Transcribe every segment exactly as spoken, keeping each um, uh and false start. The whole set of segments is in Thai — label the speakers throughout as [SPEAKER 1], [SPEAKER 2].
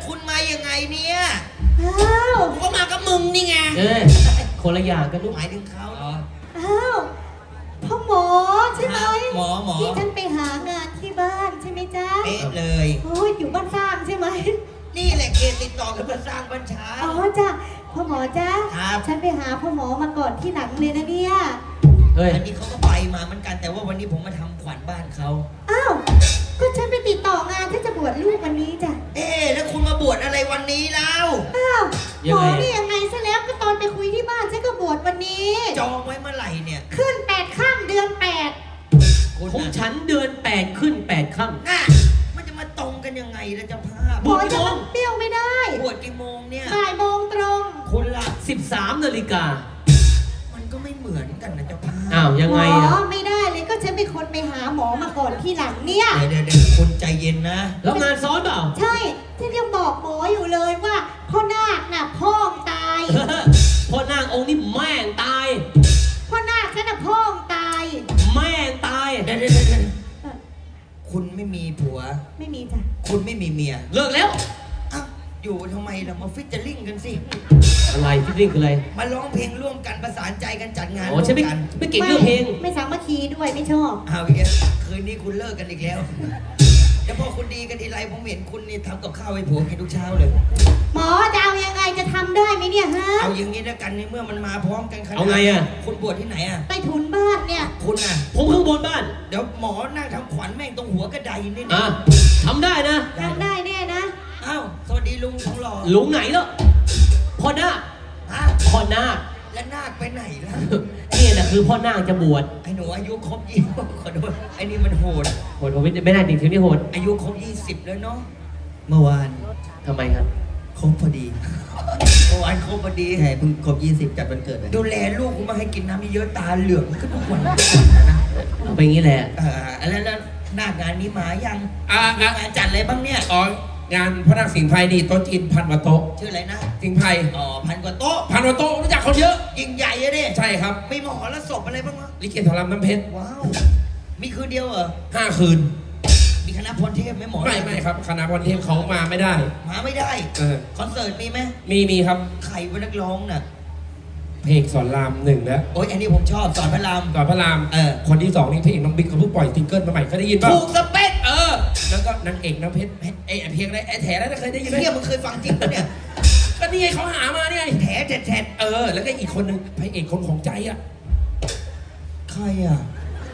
[SPEAKER 1] คุณมายังไงเนี่ย
[SPEAKER 2] อ้าว
[SPEAKER 1] กูก็มากับมึงนี่ไง
[SPEAKER 3] เออคนละอย่างกันลูก
[SPEAKER 1] หมายถึงเขาเหรอ
[SPEAKER 2] อ้าวพ่อหมอใช่ไหม
[SPEAKER 1] หมอหมอ
[SPEAKER 2] ที่ฉันไปหางานที่บ้านใช่ไหมจ๊ะ
[SPEAKER 1] เป๊ะเลย
[SPEAKER 2] โอ้ยอยู่บ้านสร้างใช่ไหม
[SPEAKER 1] นี่แหละเขตติดต่อกับบ้านสร้างบ้านช้า
[SPEAKER 2] อ๋อจ้ะพ่อหมอจ้ะ
[SPEAKER 1] ครับ
[SPEAKER 2] ฉันไปหาพ่อหมอมาก่อนที่หลังเลยนะเนี่ย
[SPEAKER 3] เฮ้ย
[SPEAKER 1] อันนี้เขาก็ไปมาเหมือนกันแต่ว่าวันนี้ผมมาทำขวัญบ้านเขา
[SPEAKER 2] อ้าวก็ฉันไปติดต่องานที่จะบวชลูกวันนี้จ้ะ
[SPEAKER 1] เอ๊ะแล้วคุณมาบวชอะไรวันนี้แล้ว
[SPEAKER 2] อ้าวห
[SPEAKER 3] ยั
[SPEAKER 2] ม
[SPEAKER 3] ง
[SPEAKER 2] อ
[SPEAKER 3] ไง
[SPEAKER 2] นี่ยังไงซะแล้วก็ตอนไปคุยที่บ้านฉันก็บวชวันนี้
[SPEAKER 1] จองไว้เมื่อไหร่เนี่ย
[SPEAKER 2] ขึ้นแปดข้ามเดือนแปด
[SPEAKER 1] คุณ
[SPEAKER 3] ของ
[SPEAKER 1] น่ะ
[SPEAKER 3] ฉันเดือนแปดขึ้นแปดค่
[SPEAKER 1] น่ะมันจะมาตรงกันยังไงล่ะเจ้าภาพ
[SPEAKER 2] หมอจะมาเปรี้ยวไม่ได้
[SPEAKER 1] บวชกี่โมงเนี่ย
[SPEAKER 2] บ่ายโมงตรง
[SPEAKER 1] คุณล่ะ
[SPEAKER 3] ำสิบสามนาฬิกา
[SPEAKER 1] มันก็ไม่เหมือนกันนะเจ้าภาพ
[SPEAKER 3] อ้าวยังไง
[SPEAKER 2] หม
[SPEAKER 3] อ่ะ
[SPEAKER 2] อไม่ได้เลยก็ฉันเป็นคนไปหาหมอมาก่อนที่หลังเนี่ย
[SPEAKER 1] เดี๋ยวเดี๋ยวเดี๋ยวคุณใจเย็นนะ
[SPEAKER 3] แล้วงานซ้อนเปล่า
[SPEAKER 2] ใช่ฉันยังบอกหมออยู่เลยว่าพ่อนาคน่ะพ่องตาย
[SPEAKER 3] พ่อนางองค์นี้แม่งตาย
[SPEAKER 2] พ่อนาคฉันน่ะพ่องตาย
[SPEAKER 3] แม่งตาย
[SPEAKER 1] เดี๋ยวเดี๋ยวเดี๋ยวเดี๋ยว
[SPEAKER 2] เอ่อ
[SPEAKER 1] คุณไม่มีผัว
[SPEAKER 2] ไม่มีจ้ะ
[SPEAKER 1] คุณไม่มีเมีย
[SPEAKER 3] เลิกแล้ว
[SPEAKER 1] อ้าวอยู่ทำไมเรามาฟิชเจอริ่งกันสิ
[SPEAKER 3] อะไรพี่ริ่งคืออะไร
[SPEAKER 1] มาร้องเพลงร่วมกันประสานใจกันจัดงาน
[SPEAKER 3] อ๋อ
[SPEAKER 1] ร่ว
[SPEAKER 3] ฉันไม่
[SPEAKER 1] มกัน
[SPEAKER 3] ไม่เก่งเรื่องเพลง
[SPEAKER 2] ไม่สามัคคีด้วยไม่ชอบ
[SPEAKER 1] เอาอีกแล้วคืนนี้คุณเลิกกันอีกแล้วแล้วพอคุณดีกันทีไรผมเห็นคุณนี่ทำกับข้าวให้ผัวกินทุกเช้าเลย
[SPEAKER 2] หมอจะเอายังไงจะทำได้ไหมเนี่ยฮะ
[SPEAKER 1] เอาอย่างนี้แล้วกันในเมื่อมันมาพร้อมกันขนาด
[SPEAKER 3] เอาไงอะ
[SPEAKER 1] คุณบวชที่ไหนอะ
[SPEAKER 2] ใต้ถุนบ้านเนี่ย
[SPEAKER 1] คุณอะ
[SPEAKER 3] ผมข้างบนบ้าน
[SPEAKER 1] เดี๋ยวหมอนั่งทำขวัญแม่งตรงหัวกระไดนี่
[SPEAKER 3] อ่ะ
[SPEAKER 1] นะ
[SPEAKER 3] ทำได้นะ
[SPEAKER 2] ทำได้แน่นะ
[SPEAKER 1] อ้าวสวัสดีลุงของหล่อ
[SPEAKER 3] หลุงไหนแล้วพ่อนาค
[SPEAKER 1] ฮะ
[SPEAKER 3] พ่อนาค
[SPEAKER 1] แล้วนาคไปไหนล่ะ
[SPEAKER 3] นี่แหละคือพ่อนาคจะบวช
[SPEAKER 1] ไอ้หนูอายุครบยี่สิบขอโทษไอ้นี่มันโหด
[SPEAKER 3] โหดโหดไม่ได้จริงๆนี่โหด
[SPEAKER 1] อายุครบยี่สิบแล้วเนาะ
[SPEAKER 4] เมื่อวาน
[SPEAKER 3] ทำไมครับ
[SPEAKER 4] ครบพอดี
[SPEAKER 1] เมื่อวานครบพอดี
[SPEAKER 4] ใช่เพิ่งครบยี่สิบจัดวันเกิดเลย
[SPEAKER 1] ดูแลลูกกูมาให้กินน้ำเยอะๆตาเหลืองก็ทุกวันนะ
[SPEAKER 3] เอาไปงี้แหละ
[SPEAKER 1] เออแล้วแล้วหน้างานนี้มายัง
[SPEAKER 5] อ่า
[SPEAKER 1] มี
[SPEAKER 5] อ่ะ
[SPEAKER 1] งานจัดอะไรบ้างเนี่ย
[SPEAKER 5] อ๋องานพระนางสิงห์ไพรนี่โต๊ะจีนพันกว่าโต๊ะ
[SPEAKER 1] ชื่ออะไรนะ
[SPEAKER 5] สิงห์ไพร
[SPEAKER 1] อ๋อพันกว่าโต๊ะ
[SPEAKER 5] พันกว่าโต๊ะรู้จักคนเยอะ
[SPEAKER 1] ยิ่งใหญ่อะดิ
[SPEAKER 5] ใช่ครับ
[SPEAKER 1] มีมหรสพอะไรบ้างวะ
[SPEAKER 5] ลิเกทอรำน้ำเพชร
[SPEAKER 1] ว้าว มีคืนเดียวเหรอ
[SPEAKER 5] ห้าคืน
[SPEAKER 1] มีคณะพรเทพไหมหมอ
[SPEAKER 5] ไม่ไม่ครับคณะพรเทพเขามาไม่ได้
[SPEAKER 1] มาไม่ได้
[SPEAKER 5] เออ
[SPEAKER 1] คอนเสิร์ตมีไหม
[SPEAKER 5] มีมีครับ
[SPEAKER 1] ใครเป็นนักร้องน่ะ
[SPEAKER 5] เพลงสอนรามหนึ่งแล้ว
[SPEAKER 1] โอ๊ยอันนี้ผมชอบสอนพระราม
[SPEAKER 5] สอนพระราม
[SPEAKER 1] เออ
[SPEAKER 5] คนที่สองนี่เพลงน้องบิ๊กเขาเพิ่งปล่อยซิงเกิลมาใหม่เคยได้ยินป่ะ
[SPEAKER 1] ถูกสเปค
[SPEAKER 5] เออ แล้วก็นางเอกน้ำเพชรไอ้ไอ้เพลงอะไรไอ้แถแล้วเคยได้ยินไหม
[SPEAKER 1] เนี่ยมึงเคยฟังจริงปะเนี่ย
[SPEAKER 5] ก็นี่ไงเขาหามาเนี่ย
[SPEAKER 1] แถแถแถ
[SPEAKER 5] เออ แล้วก็อีกคนนึงพระเอกคนของใจอ่ะ
[SPEAKER 1] ใครอ่ะ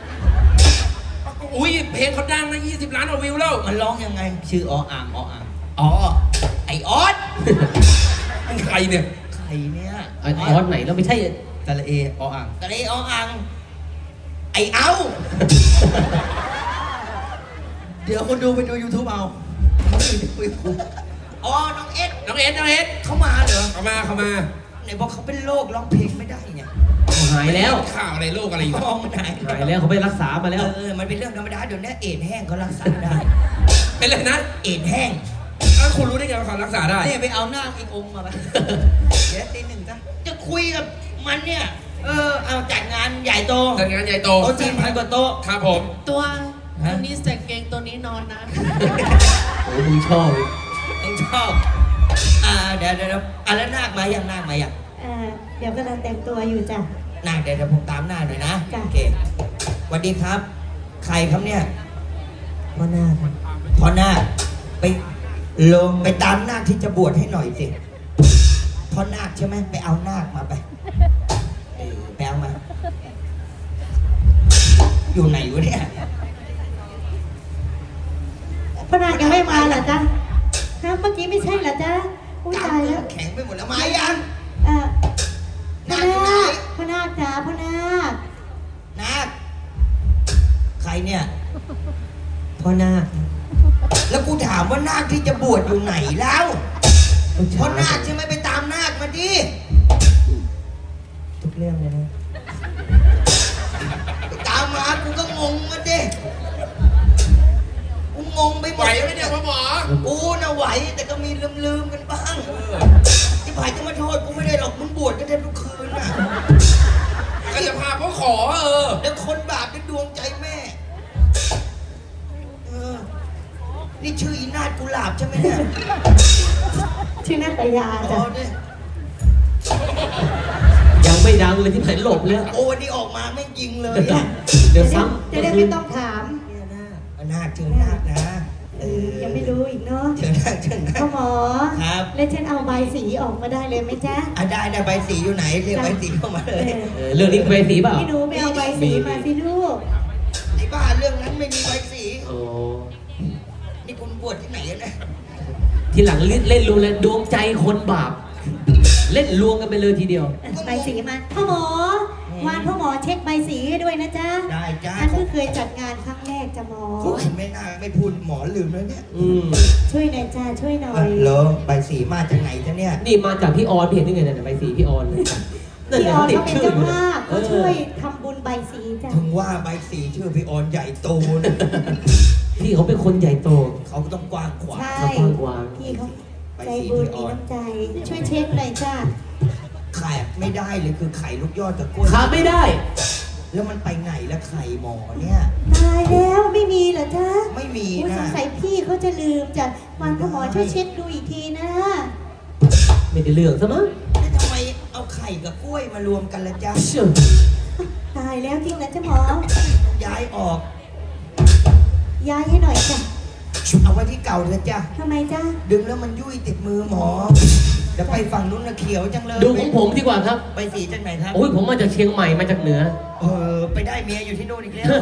[SPEAKER 5] อุ้ยเพลงเขาดังนะยี่สิบล้านกว่าวิวแล้ว
[SPEAKER 1] มันร้องยังไง
[SPEAKER 4] ชื่อออ่างออ่าง
[SPEAKER 1] อ๋อ ไอออส
[SPEAKER 5] มันใครเนี่ย
[SPEAKER 1] ใครเนี่ย
[SPEAKER 3] ไอ้ออสไหนเราไม่ใช่
[SPEAKER 4] ตะละเอออ่าง
[SPEAKER 1] ตะเลออัง ไอเอา
[SPEAKER 4] เดี๋ยวคนดูไปดู YouTube เอาคุยกู
[SPEAKER 1] อ๋อ น้องเอ็ด
[SPEAKER 5] น้องเอ็ดน้องเอ็ด
[SPEAKER 1] เขามาเหรอ
[SPEAKER 5] เข้ามาเข้ามา
[SPEAKER 1] ไหนบอกเขาเป็นโรคร้องเพลงไม่ได้ไง
[SPEAKER 3] หายแล้ว
[SPEAKER 5] ข่าวอะไรโลกอะไรอยู่
[SPEAKER 1] มองไหน
[SPEAKER 3] หายแล้วเขาไปรักษามาแล้ว
[SPEAKER 1] เออ มันเป็นเรื่องธรรมดาเดี๋ยวนี้เอดส์แห้งเขารักษาได้
[SPEAKER 5] เป็นเลยนะ
[SPEAKER 1] เอดส์แห้ง
[SPEAKER 5] อ้าวคุณรู้ได้ไงว่าเขารักษาได้
[SPEAKER 1] เนี่ยไปเอาหน้าอีกองค์มาไป เดี๋ยวตีหนึ่งจ้ะจะคุยกับมันเนี่ย เออ เอาจัดงานใหญ่โต
[SPEAKER 5] จัดงานใหญ่โต
[SPEAKER 1] โต๊ะจีนพันกว่าโต๊ะ
[SPEAKER 5] ครับผม
[SPEAKER 6] ตัว
[SPEAKER 1] ฮะ
[SPEAKER 6] ตัวนี้ใส่เกงตัวนี้นอนนะ
[SPEAKER 3] โอ้มึงชอบอีก
[SPEAKER 1] ต้องชอบ อ่า เดี๋ยวเดี๋ยวเดี๋ยวอ่ะแล้วนาคมายังนาคมายัง
[SPEAKER 2] เอ่อเดี๋ยวกำลังแต่งตัวอยู่จ้ะ
[SPEAKER 1] นาคเดี๋ยวเดี๋ยวผมตามหน้าหน่อยนะ
[SPEAKER 2] จ้ะ
[SPEAKER 1] โอเคสวัสดีครับ ใครครับเนี่ย
[SPEAKER 4] พ่อหน้าค
[SPEAKER 1] พ่อนาคไปลงไปตามนาคที่จะบวชให้หน่อยสิพ่อนาคใช่ไหมไปเอานาคมาไปเออไปเอามา อยู่ไหนวะเนี่ย
[SPEAKER 2] พ่อนาคยังไม่มาเหรอจ๊ะฮะเมื่อกี้ไม่ใช่เหรอจ๊ะอุ้ย
[SPEAKER 1] กล้า
[SPEAKER 2] ตาม ย
[SPEAKER 1] เนื้
[SPEAKER 2] แล้
[SPEAKER 1] อ
[SPEAKER 2] ว
[SPEAKER 1] แข็งไปหมดแล้วมายัง
[SPEAKER 2] เอ่อพ่อ
[SPEAKER 1] นาคอยู่ไหน
[SPEAKER 2] นาคพ่อนาคจ๋าพ่อนาค
[SPEAKER 1] นาคใครเนี่ย
[SPEAKER 4] พ่อหน้าค
[SPEAKER 1] แล้วกูถามว่านาคที่จะบวชอยู่ไหนแล้วพ่อนาคใช่ไหมไปตามนาคมาดิ
[SPEAKER 4] ทุกเรื่องเลยนะ
[SPEAKER 1] ไปตามมากูก็งงมาดิกูงงไปหม
[SPEAKER 5] ไหว
[SPEAKER 1] ด
[SPEAKER 5] ไหมเนี่ยพ่อหมอ
[SPEAKER 1] กูน่ะไหวแต่ก็มีลืมๆกันบ้างที่ผ่านจะมาโทษกูไม่ได้หรอกมึงบวชกันแทบทุกคืนน่ะ
[SPEAKER 5] ก็จะพาพ่อขอเออ
[SPEAKER 1] แล้วคนบาปเป็นดวงใจแม่เออนี่ชื่ออีนาฏกุหลาบใช่ไหมเนี่ย
[SPEAKER 2] ชื่อนาตยา
[SPEAKER 1] โอ้
[SPEAKER 2] จ้ะ
[SPEAKER 1] เนี่ย
[SPEAKER 3] ยังไม่ดังเลยที่ไหนหลบเลย
[SPEAKER 1] โอ้วันนี้ออกมาไม่ยิงเลยอะ
[SPEAKER 3] เดี๋ยว
[SPEAKER 2] จะได้
[SPEAKER 3] ซ้ำ
[SPEAKER 2] จะได้ไม่ต้องถาม
[SPEAKER 1] นาคเชิญนาคนะเออ
[SPEAKER 2] ยังไม่รู้อีกเนาะ
[SPEAKER 1] เชิญนาคเชิญนา
[SPEAKER 2] พ่อ
[SPEAKER 1] ค
[SPEAKER 2] หมอ
[SPEAKER 1] ครับ
[SPEAKER 2] แล้วฉันเอาใบสีออกมาได้เลยไหมจ๊ะ
[SPEAKER 1] อ่ะได้ได้ใบสีอยู่ไหนเรียกใบสีเข้ามาเลย
[SPEAKER 3] เออเรื่องนี้ไปสีเปล่า
[SPEAKER 2] พี่หนูไปเอาใบสีมาสิลูก
[SPEAKER 1] ไอ้บ้าเรื่องนั้นไม่มีใบสี
[SPEAKER 3] โอ้
[SPEAKER 1] นี่คุณบวชที่ไหนอะเนะ
[SPEAKER 3] ทีหลังเล่นเล่นรู้แล้วดวงใจคนบาป เล่นลวงกันไปเลยทีเดียว
[SPEAKER 2] ใบสีมาพ่อหมอวานพ่อหมอเช็คใบสีให้ด้วยนะจ๊ะ
[SPEAKER 1] ได้จ้า
[SPEAKER 2] ฉันเพิ่งเคยจัดงานครั้งแรกจ้ะหมอ
[SPEAKER 1] โอ้ยไม่น่าไม่พูดหมอลืมแล้วเนี่ย
[SPEAKER 3] อืม
[SPEAKER 2] ช่วยหน่อยจ้าช่วยหน่อ
[SPEAKER 1] อ่ะ
[SPEAKER 2] ย
[SPEAKER 1] เหรอใบสีมาจากไหนจ๊ะเนี่ย
[SPEAKER 3] นี่มาจากพี่ออนพี่เห็นได้ไงเนี่ยใบสีพี่ออนเลยนั่น
[SPEAKER 2] พี่
[SPEAKER 3] แหละ
[SPEAKER 2] ออน
[SPEAKER 3] ติด
[SPEAKER 2] เขาเป็น
[SPEAKER 3] ชื่อ
[SPEAKER 2] เจ้า
[SPEAKER 3] อยู่
[SPEAKER 2] ภาพ
[SPEAKER 3] เอ
[SPEAKER 2] เขา
[SPEAKER 3] อ
[SPEAKER 2] ช่วยทำบุญใบสีจ้ะ
[SPEAKER 1] ถึงว่าใบสีชื่อพี่ออนใหญ่โตนะ
[SPEAKER 3] พี่เขาเป็นคนใหญ่โต
[SPEAKER 1] เขาต้องกว้างขวาง
[SPEAKER 2] ใช่
[SPEAKER 3] เขากว้างกวาง
[SPEAKER 2] พี่เขาใจบุญมีน้ำใจ ช่วยเช็คหน่อยจ้า
[SPEAKER 1] ไข่ไม่ได้เลยคือไข่ลูกยอดกับกล้วย
[SPEAKER 3] ขาไม่ได้
[SPEAKER 1] แล้วมันไปไหนแล้วไข่หมอเนี่ย
[SPEAKER 2] ตายแล้วไม่มีเหรอจ๊ะ
[SPEAKER 1] ไม่มี
[SPEAKER 2] อุ๊ย
[SPEAKER 1] นะ
[SPEAKER 2] สงสัยพี่เขาจะลืมจ้ะวานพ่อหมอช่วยเช็คดูอีกทีนะ
[SPEAKER 3] ไม่ได้เรื่องซะมั้ง
[SPEAKER 1] แล้วทำไมเอาไข่กับกล้วยมารวมกันละจ๊ะ
[SPEAKER 3] เชื่อ
[SPEAKER 2] ตายแล้วจริงนะจ๊ะหมอ
[SPEAKER 1] ย้ายออก
[SPEAKER 2] ย้ายให้หน่อยจ้ะ
[SPEAKER 1] เอาไว้ที่เก่าเถอะจ้ะ
[SPEAKER 2] ทำไมจ้ะ
[SPEAKER 1] ดึงแล้วมันยุ่ยติดมือหมอเดี๋ยวไปฝั่งนู้นนะเขียวจังเลย
[SPEAKER 3] ดูของผมดีกว่าครับ
[SPEAKER 1] ใบสีจากไหนครับ
[SPEAKER 3] โอ้ยผมมาจากเชียงใหม่มาจากเหนือ
[SPEAKER 1] เออไปได้เมียอยู่ที่โน่นอีกแล้ว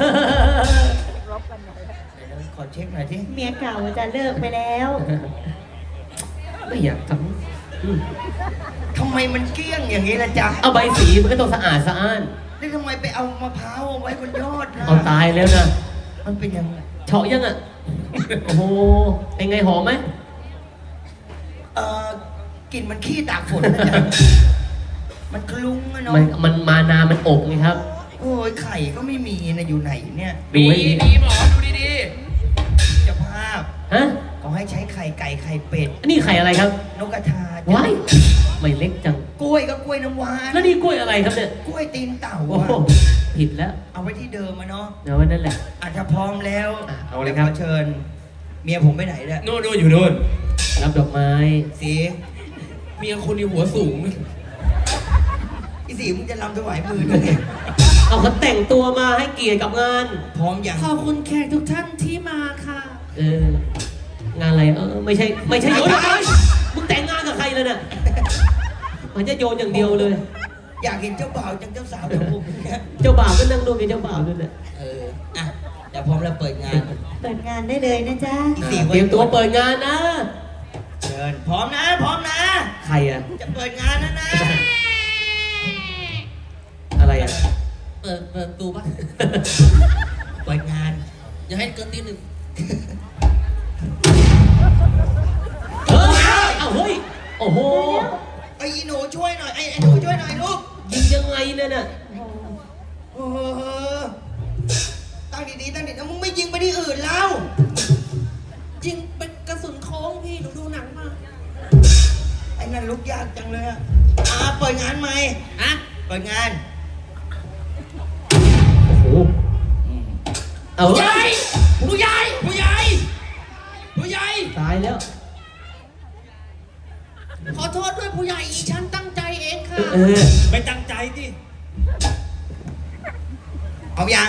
[SPEAKER 1] ขอเช็คหน่อยที่
[SPEAKER 2] เมียเก่าจะเลิกไปแล้ว
[SPEAKER 3] ไม่อยากทำอืม
[SPEAKER 1] ทำไมมันเกลี้ยงอย่างนี้ล่ะจ๊ะ
[SPEAKER 3] เอาใบสีมันก็ต้องสะอาดสะอ้าน
[SPEAKER 1] แล้วทำไมไปเอามะพร้าวเอาไว้บนยอดนะ
[SPEAKER 3] เอาตายแล้วนะ
[SPEAKER 1] มันเป็นยังไง
[SPEAKER 3] เฉาะยังอ่ะ โอ้โหเป็นไงหอมไหม
[SPEAKER 1] เออกลิ่นมันขี้ตากฝนนะจ๊ะมันคลุ้งอะเนาะ
[SPEAKER 3] มันมันมานามันอบไงครับ
[SPEAKER 1] โอ้ยไข่ก็ไม่มีนะอยู่ไหนเนี่ย
[SPEAKER 3] ดูให้ดี
[SPEAKER 5] ดีหมอดูดี
[SPEAKER 1] เจ้าภาพ
[SPEAKER 3] ฮะ
[SPEAKER 1] เขาให้ใช้ไข่ไก่ไข่เป็ด
[SPEAKER 3] อันนี้ไข่อะไรครับ
[SPEAKER 1] นกกระทา
[SPEAKER 3] ว้ายไม่เล็กจัง
[SPEAKER 1] กล้วยก็กล้วยน้ำว้า
[SPEAKER 3] แล้วนี่กล้วยอะไรครับเนี่ย
[SPEAKER 1] กล้วยตีนเต่า
[SPEAKER 3] โอ้
[SPEAKER 1] อะ
[SPEAKER 3] โหผิดแล้ว
[SPEAKER 1] เอาไว้ที่เดิมมาเนาะ
[SPEAKER 3] เดี๋ยวไว้นั่นแหละ
[SPEAKER 1] อาจจะพร้อมแล้ว
[SPEAKER 3] อ่ะเอาเลยครับ
[SPEAKER 1] ดี๋วขเชิญ เมียผมไปไหนเนี่ย
[SPEAKER 5] ๆนู่นนู่นอยู่นู่น
[SPEAKER 3] รับดอกไม้
[SPEAKER 1] สี
[SPEAKER 5] เมียคนนี้หัวสูง
[SPEAKER 1] อีสีมึงจะรำถวายมือด้วยเนี่ย
[SPEAKER 3] เอาเขาแต่งตัวมาให้เกียรติกับงาน
[SPEAKER 1] พร้อมอย่าง
[SPEAKER 6] ขอบคุณแขกทุกท่านที่มาค่ะ
[SPEAKER 3] เออ งานอะไร เออ ไม่ใช่ ไม่ใช่โยนอะไรมึงแต่งงานกับใครเลยเนี่ยมันจะโยนอย่างเดียวเลย
[SPEAKER 1] อยากเห็นเจ้าบ่าวจังเจ้าสาวจังผมเนี่ย
[SPEAKER 3] เจ้าบ่าวก็นั่งดูเป็นเจ้าบ่าวด้วยแหละ
[SPEAKER 1] เอออ่ะเดี๋ยวพร้อมแล้วเปิดงาน
[SPEAKER 2] เปิดงานได้เลยนะจ๊ะ
[SPEAKER 1] อี
[SPEAKER 3] อ่า
[SPEAKER 1] สี
[SPEAKER 3] เตรียมตัวเปิดงานนะ
[SPEAKER 1] เชิญพร้อมนะ พร้อมนะ
[SPEAKER 3] ใครอะ
[SPEAKER 1] จะเปิดงานแล้วนะ
[SPEAKER 3] อะไรอะ
[SPEAKER 6] เปิดเปิดประตูปะ
[SPEAKER 1] เปิดงาน
[SPEAKER 6] อย่าให้เกินตีหนึ่ง
[SPEAKER 3] เออเอาเฮ้ย โอ้โห
[SPEAKER 1] ไอ้อีหนูช่วยหน่อยไอ้ไอ้หนูช่วยหน่อยลูก
[SPEAKER 3] ยิงยังไงเนี่ยน่ะ
[SPEAKER 1] เออตั้งดีๆตั้งดีๆมึงไม่ยิงไปที่อื่นแล้ว
[SPEAKER 6] จริงเป็นกระสุนโค้งพี่หนูดูหนังมา
[SPEAKER 1] ไอ้นั่นลุกยากจังเลยอะอ่าเปิดงานไหม
[SPEAKER 6] อะ
[SPEAKER 1] เปิดงาน
[SPEAKER 3] โอ้โห เอา
[SPEAKER 5] ผู้ใหญ่ผู้ใหญ่ผู้ใหญ่ผู้ใหญ่
[SPEAKER 3] ตายแล้ว
[SPEAKER 6] ขอโทษด้วยผู้ใหญ่อีฉันตั้งใจเองค่ะ
[SPEAKER 3] เออ
[SPEAKER 5] ไม่ตั้งใจดิ
[SPEAKER 1] เอายัง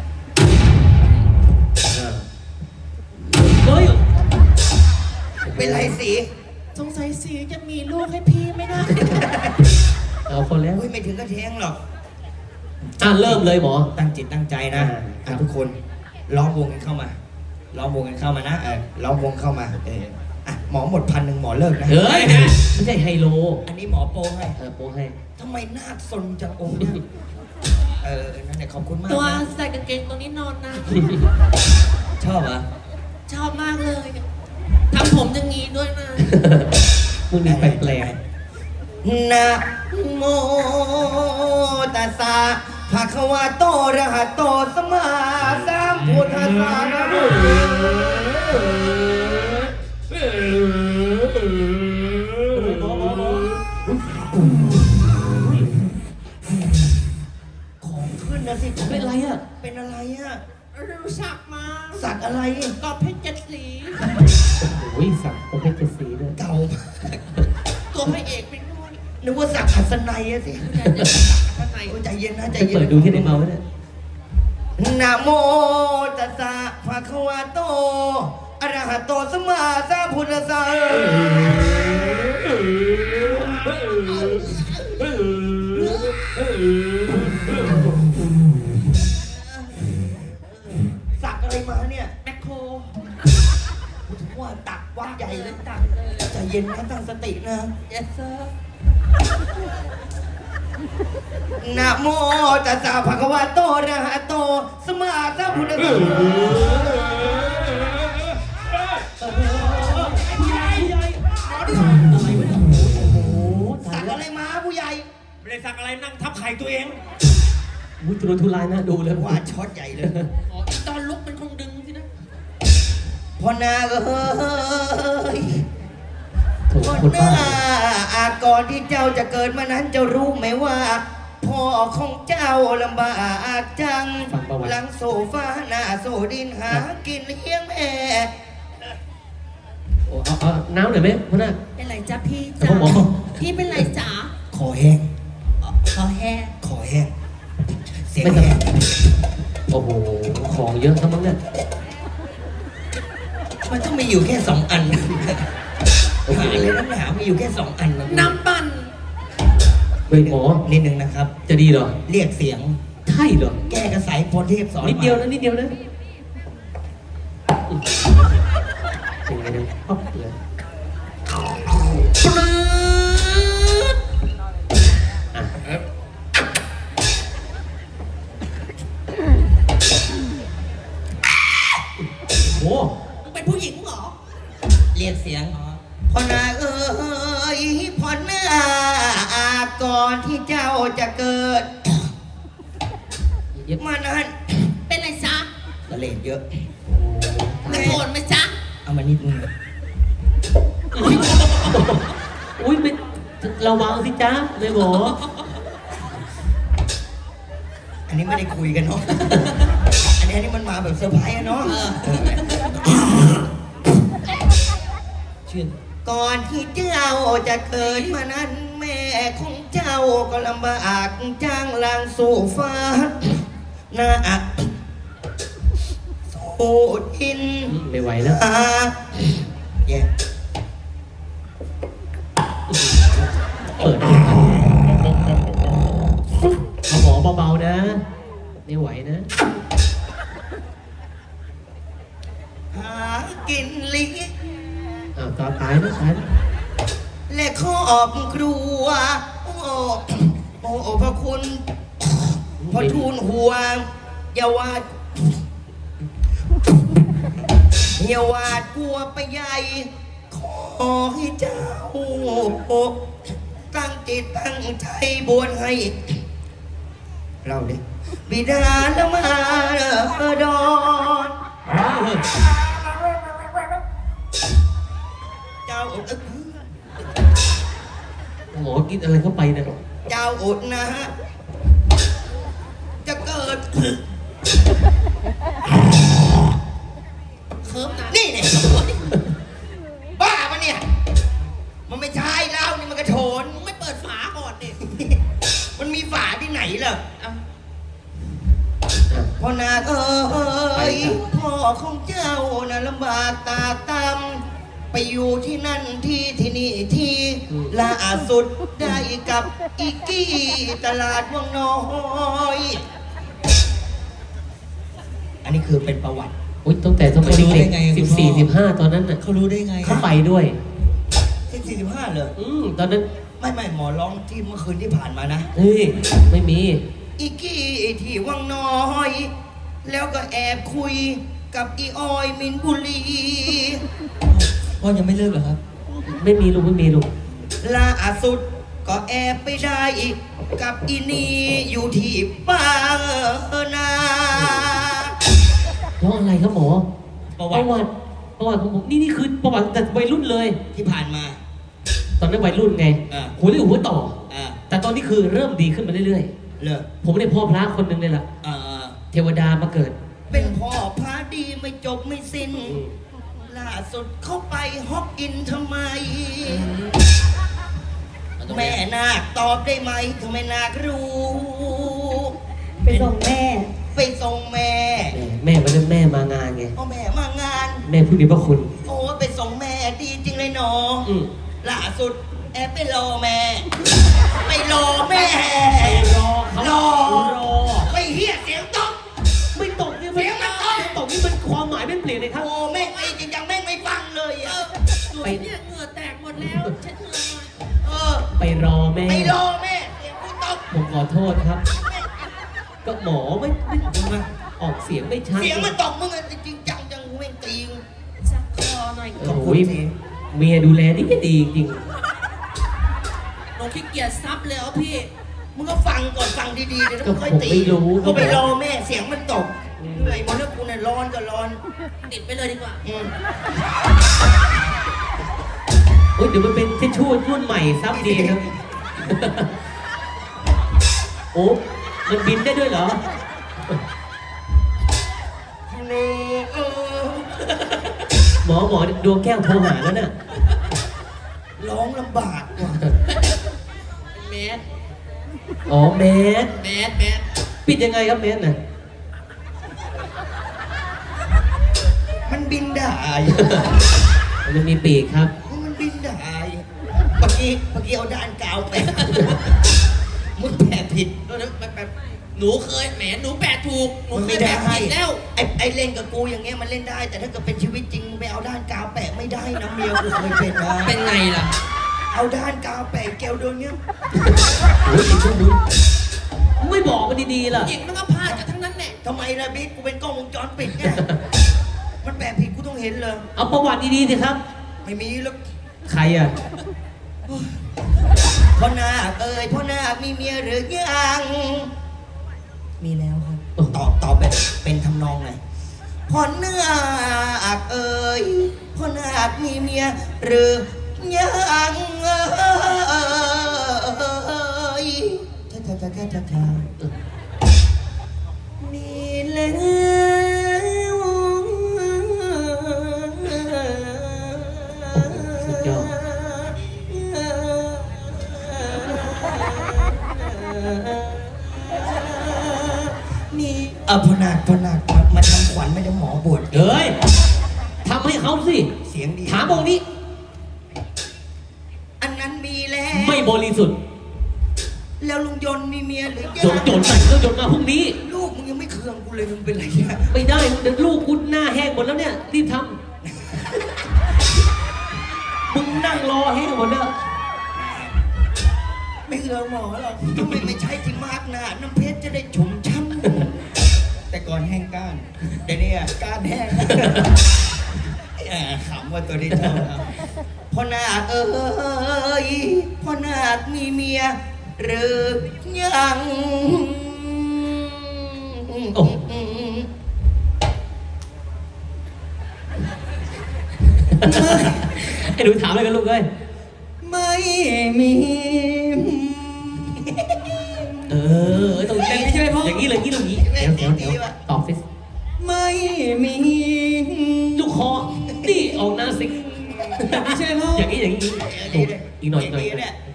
[SPEAKER 3] เฮ้ย
[SPEAKER 1] เป็นไรสี
[SPEAKER 6] สงสัยสีจะมีลูกให้พี่ไม่ได้
[SPEAKER 3] เอาคนแล้ว
[SPEAKER 1] อุ้ยไม่ถึงกระเทงหรอก
[SPEAKER 3] อ่ะเริ่มเลยหมอ
[SPEAKER 1] ตั้งจิตตั้งใจนะ
[SPEAKER 3] อ่า
[SPEAKER 1] อ่ะทุกคนล้อมวงกันเข้ามาล้อมวงกันเข้ามานะเออล้อมวงเข้ามาเอออ่ะหมอหมดพันหนึ่งหมอเลิกนะ
[SPEAKER 3] เฮ้ย ไม่ใช่ไฮโล
[SPEAKER 1] อันนี้หมอโปรให้
[SPEAKER 3] เออโปรให้
[SPEAKER 1] ทำไมหน้าซนจังองค์เนี่ยเออนั่นแหละขอบคุณมาก
[SPEAKER 6] ตัว
[SPEAKER 1] นะ
[SPEAKER 6] ใส่กางเกงตัวนี้นอนนะ
[SPEAKER 1] ชอบเหรอ
[SPEAKER 6] ชอบมากเลยทำผมอย่างงี้ด้วยนะ
[SPEAKER 3] มึงนี่แปลก
[SPEAKER 1] นะโมตัสสะภะคะวะโตอะระหะโตสัมมาสัมพุทธัสสะนะโมของขึ้นนะสิ
[SPEAKER 3] ๆเป็นไรอ่ะ
[SPEAKER 1] เป็นอะไรอะ
[SPEAKER 6] รู้สักมา
[SPEAKER 1] สัตว์อะไร
[SPEAKER 6] กอบเพชรเจ็ดสี
[SPEAKER 3] โอ้ยสักประเภทเจ็ดสีด้วย
[SPEAKER 1] เก่ามาก
[SPEAKER 6] พระเอกเป็นด้วย
[SPEAKER 1] นึกว่าสักหัสนัยอะสิ
[SPEAKER 6] ข้างใน
[SPEAKER 1] โอ้ใจเย็นนะใจ
[SPEAKER 3] ไป
[SPEAKER 1] เย็น
[SPEAKER 3] เปิดดูที่ในเมาส์เนี่ย
[SPEAKER 1] นะโมตัสสะภะคะวะโตอะระหะโตสัมมาสัมพุทธัสสะสักอะไรมาเนี่ย
[SPEAKER 6] แมคโคร
[SPEAKER 1] ว่าตักวัดใหญ่เลย
[SPEAKER 6] ตักเลย
[SPEAKER 1] ใจเย็นนะตั้งสตินะ
[SPEAKER 6] yes sir
[SPEAKER 1] นะโมตัสสะภะคะวะโตอะระหะโตสัมมาสัมพุทธัสสะ
[SPEAKER 3] ผู้ใหญ่ผู้ใหญ่อะไรวะเนี่ยโอ้โหตา
[SPEAKER 1] สั
[SPEAKER 3] ย
[SPEAKER 1] ก
[SPEAKER 3] แล้ว
[SPEAKER 1] อะไรมาผู้ใหญ่
[SPEAKER 5] ไม่ได้สักอะไรนั่งทับไข่ตัวเอง
[SPEAKER 3] อุ้ยทุรนทุรายน่าดูเลย
[SPEAKER 1] ว่าช็อตใหญ่เลย
[SPEAKER 6] อ๋ออีตอนลุกมันคงดึงสินะ
[SPEAKER 1] พ่อนาเอ้ย
[SPEAKER 3] โถ่
[SPEAKER 1] พ่อ
[SPEAKER 3] คน
[SPEAKER 1] นา
[SPEAKER 3] บ้า
[SPEAKER 1] อาก่อนที่เจ้าจะเกิดมานั้นเจ้ารู้ไหมว่าพ่อของเจ้าลำบากจัง
[SPEAKER 3] ฟังประวัติ
[SPEAKER 1] หลังโซฟาหน้าโซดินหากินเลี้ยงแม่
[SPEAKER 3] โอ้เอาเอาน้ำหน่อยไหมพ่อหน้า
[SPEAKER 6] เป็นไรจ๊ะพี่
[SPEAKER 3] แต่
[SPEAKER 6] จ๋า
[SPEAKER 3] ผมบอก
[SPEAKER 6] พี่เป็นไรจ๋า
[SPEAKER 1] ขอแห้ง
[SPEAKER 6] ขอแห้ง
[SPEAKER 1] ขอแห้งเสียง
[SPEAKER 3] ไม่ต้อง
[SPEAKER 1] แห้ง
[SPEAKER 3] โอ้โหของเยอะทั้งนั้นเนี่ย
[SPEAKER 1] มันต้องมีอยู่แค่สองอัน
[SPEAKER 3] โอเค
[SPEAKER 1] หาเลยน้ำหนามีอยู่แค่สองอันนะ
[SPEAKER 6] น้ำปั่น
[SPEAKER 3] เฮ้ยหมอ
[SPEAKER 1] นิดนึงนะครับ
[SPEAKER 3] จะดีเหรอ
[SPEAKER 1] เรียกเสียง
[SPEAKER 3] ใช่เหรอ
[SPEAKER 1] แก้กระสายพรเทพสอน
[SPEAKER 3] นิดเดียว
[SPEAKER 1] มา
[SPEAKER 3] นะนิดเดียวนะเป็นไงเนี่ยอ๊อบเลยอ่ะโอ้
[SPEAKER 6] มึงเป็นผู้หญิงเหรอ
[SPEAKER 1] เรียกเสียงพ่อนาเอ้ยพ่อนาก่อนที่เจ้าจะเกิด
[SPEAKER 3] เย็บ
[SPEAKER 1] มานั้น
[SPEAKER 6] เป็นไรจ๊ะ
[SPEAKER 1] ละเลดเยอะ
[SPEAKER 6] ตะโกนไหมจ๊ะ
[SPEAKER 1] เอามานิดนึง
[SPEAKER 3] อุ้ยเป็นระวังสิจ๊ะเลยหมอ
[SPEAKER 1] อันนี้ไม่ได้คุยกันเนาะ อันนี้อันนี้มันมาแบบเซอร์ไพรส์อะเนาะชื่นก่อนที่เจ้าจะเกิดมานั้นแม่ของเจ้าก็ลำบากจ้างลางสู่ฟ้าหน้าอักโซดิน
[SPEAKER 3] ไม่ไหวแล้ว
[SPEAKER 1] อาแย่
[SPEAKER 3] เปิดเอาหมอเบาๆนะ ไม่ไหวนะ
[SPEAKER 1] หากินเลี้ยง
[SPEAKER 3] อ้าวตาตายนะตายนะ
[SPEAKER 1] และครอบครัว โอ้โอ้พระคุณพอทูลหัวอย่าวาดอย่าวาดกลัวไปใหญ่ ขอให้เจ้า ตั้งจิตตั้งใจบวชให้ เราเด็กบิดาละมาดอนเจ้าอด
[SPEAKER 3] หมอกินอะไรเข้าไปเนะ
[SPEAKER 1] เจ้าอดนะ จะเกิด
[SPEAKER 6] เคิร์ฟนะ
[SPEAKER 1] นี่เนี่ยบ้าปะเนี่ย มันไม่ใช่เหล้านี่มันกระโถน
[SPEAKER 6] มึงไม่เปิดฝาก่อนดิ
[SPEAKER 1] มันมีฝาที่ไหนล่ะ
[SPEAKER 6] เอา
[SPEAKER 1] พ่อนาคเอ้ยพ่อของเจ้าน่ะลำบากตาตำไปอยู่ที่นั่นที่ที่นี่ที่ล่าสุดได้กับอีกี้ตลาดวังน้อย อันนี้คือเป็นประวัติ
[SPEAKER 3] อุ้ยตั้งแต่สมัยเด็กสิบสี่สิบห้าตอนนั้นน่ะ
[SPEAKER 4] เขารู้ได้ไง
[SPEAKER 3] เขาไปด้วย
[SPEAKER 1] สิบสี่สิบห้าเลย
[SPEAKER 3] อืมตอนนั้น
[SPEAKER 1] ไม่ไม่หมอร้องที่เมื่อคืนที่ผ่านมานะ
[SPEAKER 3] เฮ้ย ไม่มี
[SPEAKER 1] อีกี้ที่วังน้อย แล้วก็แอบคุยกับอีออยมินบุรี
[SPEAKER 4] พ่อยังไม่เลิกเหรอครับ
[SPEAKER 3] ไม่มีลูกไม่มีลูก
[SPEAKER 1] ล่าสุดก็แอบไปได้อีกกับอีนี่อยู่ที่บางนา
[SPEAKER 3] เพราะอะไรครับหมอ
[SPEAKER 1] ประวัติ
[SPEAKER 3] ติประวัติของผมนี่นี่คือประวัติแต่วัยรุ่นเลย
[SPEAKER 1] ที่ผ่านมา
[SPEAKER 3] ตอนนั้นวัยรุ่นไง
[SPEAKER 1] อ่า
[SPEAKER 3] หัวเรี่ยวหัวต่อ
[SPEAKER 1] อ่า
[SPEAKER 3] แต่ตอนนี้คือเริ่มดีขึ้นมาเรื่อย
[SPEAKER 1] เลิก
[SPEAKER 3] ๆ ผมได้พ่อพระคนหนึ่งเลยล่ะ
[SPEAKER 1] อ่า
[SPEAKER 3] เทวดามาเกิด
[SPEAKER 1] เป็นพ่อพระดีไม่จบไม่สิ้น ล่าสุดเข้าไปฮอกอินทำไมแม่นาคตอบได้ไหมถ้าแม่นาครู้
[SPEAKER 2] ไปส่งแม่
[SPEAKER 1] ไปส่งแม่
[SPEAKER 3] แม่วันนั้นแม่มางานไง
[SPEAKER 1] เอาแม่มางาน
[SPEAKER 3] แม่ผู้มีพระคุณ
[SPEAKER 1] โอ้ไปส่งแม่ดีจริงเลยเนาะ
[SPEAKER 3] อืม
[SPEAKER 1] ล่าสุดแอบไปรอแม่ ไปรอแม่
[SPEAKER 3] รอเขา
[SPEAKER 1] รอ
[SPEAKER 3] รอ
[SPEAKER 1] ไปเฮียเสียงตก
[SPEAKER 3] ไม่ตกเนี่ยมัน
[SPEAKER 1] เสียงมันตก
[SPEAKER 3] ตกนี่มันความหมายไม่เปลี่ยนเลยครับ
[SPEAKER 1] โอ้แม่งไอ้จริงจังแม่งไม่ฟังเลยอะ
[SPEAKER 6] หนูเนี่ยเหงื่อแตกหมดแล้วเช็ดเหงื่อหน่อย
[SPEAKER 1] เออ
[SPEAKER 3] ไปรอแม่
[SPEAKER 1] ไปรอแม่เสียงกูตก
[SPEAKER 3] ผมขอโทษครับ ก็หมอไม่ไม่ออกเสียงไม่ชัด
[SPEAKER 1] เสียงมันตกมึงอะจริงจังจังแม่งตีง
[SPEAKER 6] ซักคอหน่อย
[SPEAKER 3] โอ้ยเมียดูแลดีดีจริง
[SPEAKER 6] หนูขี้เกียจซับเลยเอาพี่
[SPEAKER 1] มึงก็ฟังก่อนฟังดีๆเดี๋ยว
[SPEAKER 3] ก็
[SPEAKER 1] มึงค่อย
[SPEAKER 3] ผม
[SPEAKER 1] ตี
[SPEAKER 3] ไม่รู้
[SPEAKER 1] ก็ไปรอแม่เสียงมันตกเหนื่อยหมดแล้วกูเนี่ยร้อนก็ร้อน
[SPEAKER 6] ติดไปเลยดีกว่า
[SPEAKER 1] อืม
[SPEAKER 3] โอ้ยเดี๋ยวมันเป็นทิชชู่รุ่นใหม่ซับดีครับ โอ้มันบินได้ด้วยเหรอ
[SPEAKER 1] โนเออ
[SPEAKER 3] หมอหมอดวงแก้วโทรหาแล้วน่ะ
[SPEAKER 1] ร้องลำบากว่ะ
[SPEAKER 6] แมส
[SPEAKER 3] อ๋อแมส
[SPEAKER 6] แมสแมส
[SPEAKER 3] ปิดยังไงครับแมสน่ะ
[SPEAKER 1] มันบินได้
[SPEAKER 3] มันมีปีกครับ
[SPEAKER 1] มันบินได้เมื่อกี้เมื่อกี้เอาด้านกาวแปะมึงแปะผิด
[SPEAKER 6] เออแบบแบบหนูเคยแหมหนูแปดถูก หนู
[SPEAKER 1] มัน
[SPEAKER 6] เค
[SPEAKER 1] ไม่
[SPEAKER 6] ย
[SPEAKER 1] ได้
[SPEAKER 6] แปดผิดแล้ว
[SPEAKER 1] ไอ้ไอ้เล่นกับกูอย่างเงี้ยมันเล่นได้ แต่ถ้าเกิดเป็นชีวิตจริงมึงไปเอาด้านกาวแปะไม่ได้นะเมียกูเคยเป็นมา
[SPEAKER 6] เป็นไงล่ะ
[SPEAKER 1] เอาด้านกาวแปะแก้วโดนเงี้ย
[SPEAKER 3] โอ้ยคุณดูไม่บอกมันดีๆล่ะ
[SPEAKER 6] หญิงมันก็พลาดกันทั้งนั้นแหละ
[SPEAKER 1] ทำไมล่ะบิ๊กกูเป็นกล้องวงจรปิดไงมันแปะผิดกูต้องเห็นเลย
[SPEAKER 3] เอาประวัติดีๆสิครับ
[SPEAKER 1] ไม่มีแล้ว
[SPEAKER 3] ใครอ่ะ
[SPEAKER 1] พ่อนาคเอ้ยพ่อนาคมีเมียหรือยังมีแล้วครับตอบตอบแบบเป็นทำนองไงพ่อนาคเอ้ยพ่อนาคมีเมียหรือยังเอ้ยท่าท่าท่าท่าท่าท่ามีแล้ว
[SPEAKER 3] สุดยอด
[SPEAKER 1] นี่เออพ่อนาคพ่อนาคมามาทำขวัญไม่ได้หมอบวช
[SPEAKER 3] เอ้ยทำให้เขาสิ
[SPEAKER 1] เสียงดี
[SPEAKER 3] ถามองค์นี้
[SPEAKER 1] อันนั้นมีแล้ว
[SPEAKER 3] ไม่บริสุทธิ์
[SPEAKER 1] แล้วลุงยนต์มีเมียหรือยัง
[SPEAKER 3] จนจนไหนก็จนมาพรุ่งนี้
[SPEAKER 1] ลูกมึงยังไม่เคืองกูเลยมึงเป็นไรเนี่ย
[SPEAKER 3] ไม่ได้เดี๋ยวลูกกูหน้าแห้งหมดแล้วเนี่ยรีบทำมึงนั่งรอแห้งหมดแล้ว
[SPEAKER 1] ไม่เคืองหมอหรอกทำไมไม่ใช่ที่มากหนาน้ำเพชรจะได้ชุ่มช่ำแต่ก่อนแห้งก้านเดี๋ยวนี้อะก้านแห้งแหมขำว่าตัวนี้ชอบพ่อนาคเอ้ยพ่อนาคมีเมียหรือยัง
[SPEAKER 3] โอ้ ไอ้หนูถามอะไรกันลูกเอ้ย
[SPEAKER 1] ไม่มี
[SPEAKER 3] เออตรงนี้ใช่ไหมพ่ออย่างนี้เลยอย่างนี้เลยอย่างนี้เดี๋ยวเดี๋ยวเดี๋ยวตอบสิ
[SPEAKER 1] ไม่มี
[SPEAKER 3] ลูกคอนี่ออกหน้าสิไม่ใช่พ่ออย่างนี้อย่างนี้ถูกอีกหน่อยอีกหน่อย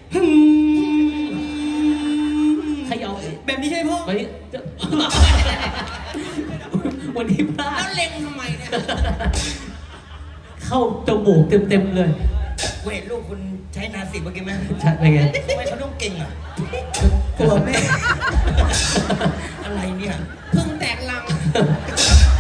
[SPEAKER 3] ใครเอาแบบนี้ใช่พ่อวันนี้จะวันนี้พลา
[SPEAKER 6] แล้
[SPEAKER 3] ด
[SPEAKER 6] วเล็งทำไมเนี่ย
[SPEAKER 3] เข้าจมูกเต็มๆเลย
[SPEAKER 1] เวทลูกคุณใช้นาสิเมื่อกี้ไหม
[SPEAKER 3] ใช่เป็นไง
[SPEAKER 1] ทำไมเขาต้องเก่งอ่ะกลัวแม่ อะไรเนี่ย
[SPEAKER 6] เพึ่งแตกลัง